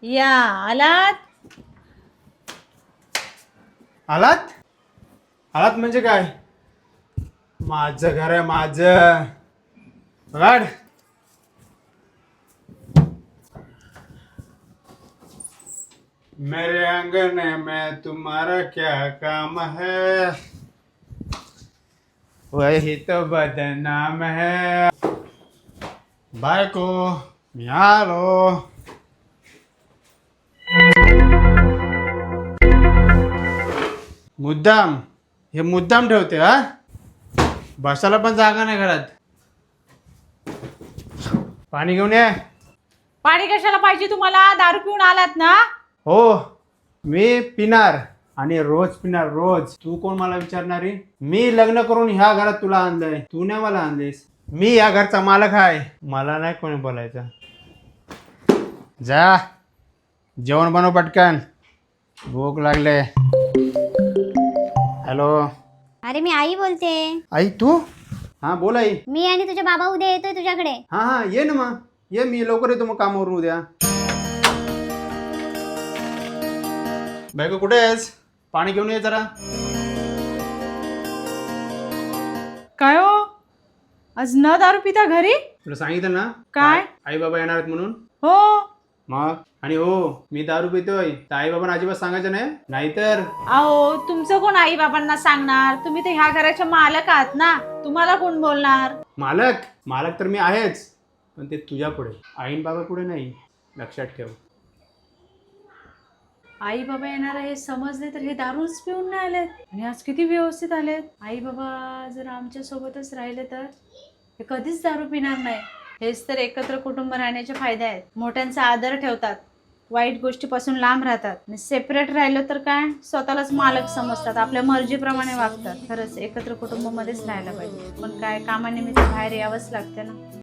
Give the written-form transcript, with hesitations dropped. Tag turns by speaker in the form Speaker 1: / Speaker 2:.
Speaker 1: या आलात.
Speaker 2: आलात आलात म्हणजे काय? माझं घर आहे माझं. बघाड. मेरे आंगन में तुम्हारा क्या काम है, वही तो बदनाम है. बायको मी आलो. मुद्दाम हे मुद्दाम ठेवते हा. बसायला पण जागा नाही घरात. पाणी घेऊन ये.
Speaker 1: पाणी कशाला पाहिजे तुम्हाला? दारू पिऊन आलात ना?
Speaker 2: हो मी पिणार आणि रोज पिणार रोज. तू कोण मला विचारणारी? मी लग्न करून ह्या घरात तुला आणलंय, तू नाही मला आणलेस. मी या घरचा मालक आहे, मला नाही कोणी बोलायचं. जा जेवण बनव पटकन, भूक लागले. हॅलो.
Speaker 3: अरे मी आई बोलते.
Speaker 2: आई तू? हा बोल आई.
Speaker 3: मी आणि तुझे बाबा उद्या येतोय तुझ्याकडे.
Speaker 2: हा हा ये ना मग ये, मी लवकर येतो मग कामावरून उद्या. बायको कुठे आहेस? पाणी घेऊन ये जरा.
Speaker 1: काय हो, आज न दारू पिता घरी?
Speaker 2: तुला सांगितलं ना
Speaker 1: काय?
Speaker 2: आई बाबा येणार आहेत म्हणून.
Speaker 1: हो.
Speaker 2: मग आणि हो मी दारू पितोय तर आई बाबांना अजिबात सांगायचं नाही, नाहीतर.
Speaker 1: अहो तुमचं कोण आई बाबांना सांगणार? तुम्ही तर ह्या घराच्या मालक आहात ना, तुम्हाला कोण बोलणार?
Speaker 2: मालक मालक तर मी आहेच, पण ते तुझ्या पुढे, आईन बाबा पुढे नाही, लक्षात ठेव.
Speaker 1: आई बाबा येणार हे समजले तर हे दारूच पिऊन नाही आलेत, आणि आज किती व्यवस्थित आलेत. आई बाबा जर आमच्या सोबतच राहिले तर हे कधीच दारू पिणार नाही. हेच तर एकत्र कुटुंब राहण्याचे फायदे आहेत. मोठ्यांचा आदर ठेवतात, वाईट गोष्टीपासून लांब राहतात. आणि सेपरेट राहिलं तर काय, स्वतःलाच मालक समजतात, आपल्या मर्जीप्रमाणे वागतात. खरंच एकत्र कुटुंबामध्येच राहायला पाहिजे, पण काय कामानिमित्त बाहेर यावंच लागते ना.